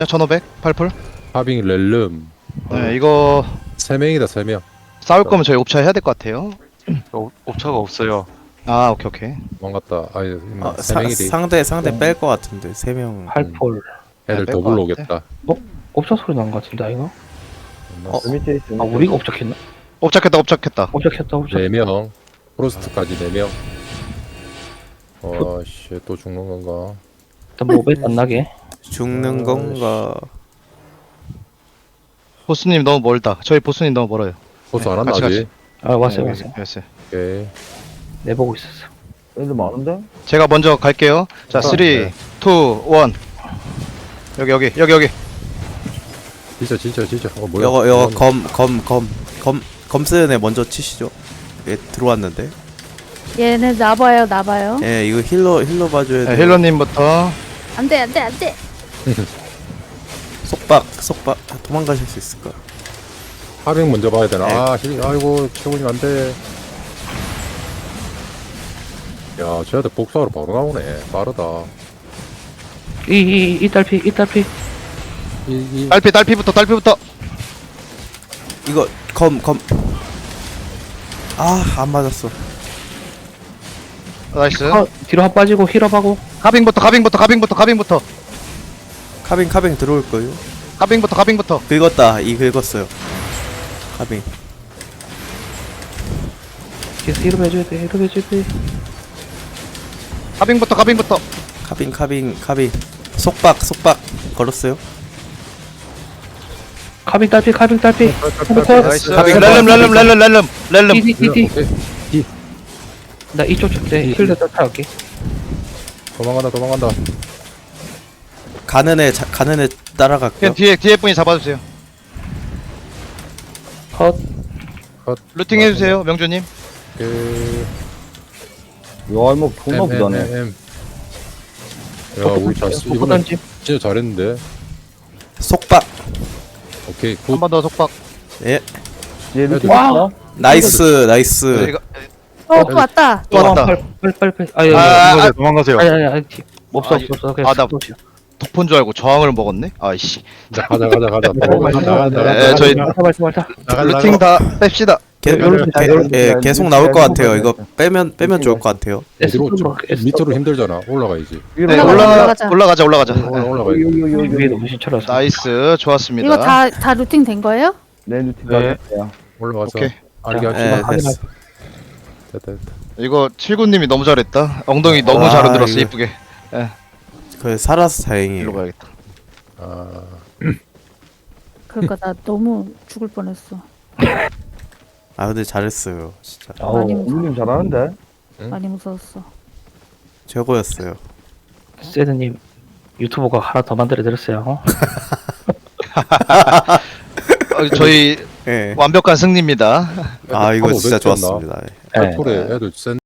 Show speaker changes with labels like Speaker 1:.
Speaker 1: 1500 8풀.
Speaker 2: 하빙 렐름.
Speaker 1: 네, 이거
Speaker 2: 3명이다 3명.
Speaker 1: 싸울 거면 저희 옵차 해야 될 것 같아요.
Speaker 3: 옵차가 없어요.
Speaker 1: 아, 오케이 오케이.
Speaker 2: 도망갔다. 아니
Speaker 4: 아,
Speaker 2: 3명이지.
Speaker 4: 상대 뺄 것 같은데 3명.
Speaker 5: 8폴.
Speaker 2: 애들
Speaker 1: 뺄것
Speaker 2: 더블로
Speaker 1: 같아.
Speaker 2: 오겠다.
Speaker 5: 옵차 소리 난 것 같은데 이거?
Speaker 6: 밑에 있어.
Speaker 5: 아 우리가 옵작했나?
Speaker 1: 옵착했다 옵착했다.
Speaker 5: 옵작했다 옵작.
Speaker 2: 4명. 프로스트까지 4명. 씨, 또 죽는 건가?
Speaker 5: 일단 모벨 안 나게.
Speaker 4: 죽는 건가?
Speaker 1: 보스님 너무 멀다. 저희 보스님 너무 멀어요.
Speaker 2: 보스
Speaker 1: 네,
Speaker 2: 안 왔나
Speaker 1: 같이,
Speaker 2: 아직?
Speaker 5: 아 왔어요
Speaker 1: 네,
Speaker 5: 왔어요.
Speaker 1: 됐어요.
Speaker 2: 오케이.
Speaker 5: 내 보고 있었어.
Speaker 6: 애들 많은데?
Speaker 1: 제가 먼저 갈게요. 자, 3, 2, 1. 여기.
Speaker 2: 진짜. 뭐야?
Speaker 4: 이거 검 쓰는 애 먼저 치시죠. 얘 들어왔는데.
Speaker 7: 얘네 나봐요.
Speaker 4: 예, 이거 힐러 봐줘야
Speaker 1: 네,
Speaker 4: 돼.
Speaker 1: 힐러님부터.
Speaker 7: 안돼.
Speaker 4: 속박 도망가실 수 있을까?
Speaker 2: 하빙 먼저 봐야 되나?
Speaker 4: 네.
Speaker 2: 아이고 최군님 안 돼. 야, 쟤들 복사하러 바로 나오네. 빠르다.
Speaker 5: 이 딸피.
Speaker 1: 딸피부터.
Speaker 4: 이거 검. 안 맞았어.
Speaker 1: 나이스.
Speaker 5: 뒤로 한 빠지고 힐업하고.
Speaker 1: 가빙부터.
Speaker 4: 카빙 들어올 거예요.
Speaker 1: 가빙부터.
Speaker 4: 긁었다. 긁었어요. 카빙.
Speaker 5: 계속 힐업 해줘야 돼.
Speaker 1: 가빙부터.
Speaker 4: 카빙. 속박 걸었어요.
Speaker 5: 카빙 딸피.
Speaker 1: 나이스.
Speaker 4: 가빙
Speaker 1: 렐름.
Speaker 5: 띠. 나 이쪽 때 힐러 쫓아갈게.
Speaker 2: 도망간다.
Speaker 4: 가는 애 따라갈게요.
Speaker 1: 그냥 뒤에 분이 잡아주세요.
Speaker 5: 컷.
Speaker 1: 루팅 해주세요, 명주님.
Speaker 2: 오케이.
Speaker 6: 야, 이거 존나 부자네.
Speaker 2: 야, 우리 잘 쓰. 이번엔
Speaker 5: 던짐.
Speaker 2: 진짜 잘했는데.
Speaker 4: 속박.
Speaker 2: 오케이, 굿.
Speaker 1: 한 번 더 속박.
Speaker 4: 예.
Speaker 6: 얘 루팅
Speaker 5: 와.
Speaker 6: 있어?
Speaker 4: 나이스.
Speaker 1: 이거
Speaker 7: 또 왔다.
Speaker 1: 또 왔다.
Speaker 5: 빨리.
Speaker 1: 도망가세요.
Speaker 5: 아니. 없어. 그냥
Speaker 1: 나
Speaker 5: 스포츠야.
Speaker 1: 독폰 줄 알고 저항을 먹었네. 아이씨.
Speaker 2: 자, 가자.
Speaker 1: 네, 저희
Speaker 5: 말타.
Speaker 1: 루팅 다 뺍시다.
Speaker 4: 계속 나올 것 같아요. 이거 빼면 좋을 것 같아요.
Speaker 2: 밑으로 힘들잖아. 올라가야지.
Speaker 1: 네,
Speaker 7: 올라가자.
Speaker 1: 올라가자.
Speaker 2: 올라가야지.
Speaker 5: 위에 너무 신철라서.
Speaker 1: 나이스, 좋았습니다.
Speaker 7: 이거 다 루팅 된 거예요?
Speaker 6: 내 루팅
Speaker 5: 네.
Speaker 6: 다
Speaker 2: 올라가서.
Speaker 1: 오케이.
Speaker 2: 알게
Speaker 4: 예,
Speaker 2: 합시다.
Speaker 4: 됐어.
Speaker 2: 됐다.
Speaker 1: 이거 79님이 너무 잘했다. 엉덩이 너무 잘 흔들었어,
Speaker 4: 이거-
Speaker 1: 이쁘게.
Speaker 4: 그 살아서
Speaker 1: 일로
Speaker 4: 다행이에요.
Speaker 1: 가야겠다.
Speaker 7: 그러니까 나 너무 죽을 뻔했어.
Speaker 4: 근데 잘했어요. 진짜
Speaker 7: 많이 무서워.
Speaker 6: 우님 잘하는데?
Speaker 7: 많이 무서웠어.
Speaker 4: 최고였어요.
Speaker 5: 세드님 유튜버가 하나 더 만들어 드렸어요.
Speaker 1: 저희
Speaker 4: 예.
Speaker 1: 완벽한 승리입니다.
Speaker 4: 이거 진짜
Speaker 2: 1500 였나?
Speaker 4: 좋았습니다.
Speaker 5: 네.
Speaker 2: 폴에 애들 센